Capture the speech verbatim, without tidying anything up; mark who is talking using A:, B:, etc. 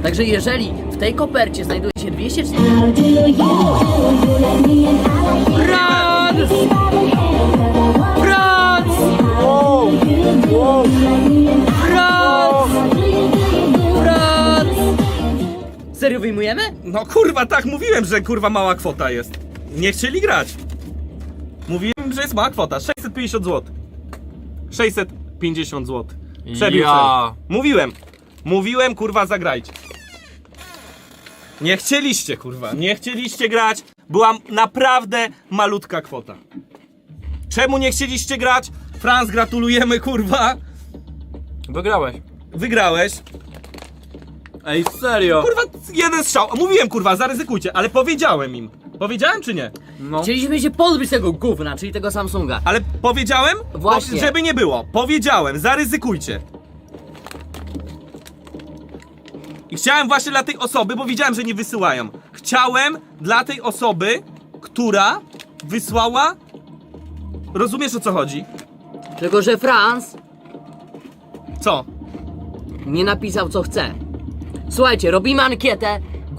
A: Także jeżeli w tej kopercie znajduje się dwieście cztery... Franz! Franz!
B: Wow! Wow!
A: Franz! Franz! Serio wyjmujemy?
B: No kurwa, tak mówiłem, że kurwa mała kwota jest. Nie chcieli grać. Mówiłem, że jest mała kwota. sześćset pięćdziesiąt złotych. sześćset pięćdziesiąt złotych. Przebił
C: Ja.
B: cel. Mówiłem. Mówiłem, kurwa, zagrajcie. Nie chcieliście, kurwa. Nie chcieliście grać. Była naprawdę malutka kwota. Czemu nie chcieliście grać? Franz, gratulujemy, kurwa.
C: Wygrałeś.
B: Wygrałeś.
C: Ej, serio?
B: Kurwa, jeden strzał. Mówiłem, kurwa, zaryzykujcie, ale powiedziałem im. Powiedziałem czy nie?
C: No.
A: Chcieliśmy się pozbyć tego gówna, czyli tego Samsunga.
B: Ale powiedziałem?
A: Właśnie.
B: Bo, żeby nie było. Powiedziałem, zaryzykujcie. I chciałem właśnie dla tej osoby, bo widziałem, że nie wysyłają. Chciałem dla tej osoby, która wysłała... Rozumiesz, o co chodzi?
A: Tylko że Franz
B: Co?
A: nie napisał co chce. Słuchajcie, robimy ankietę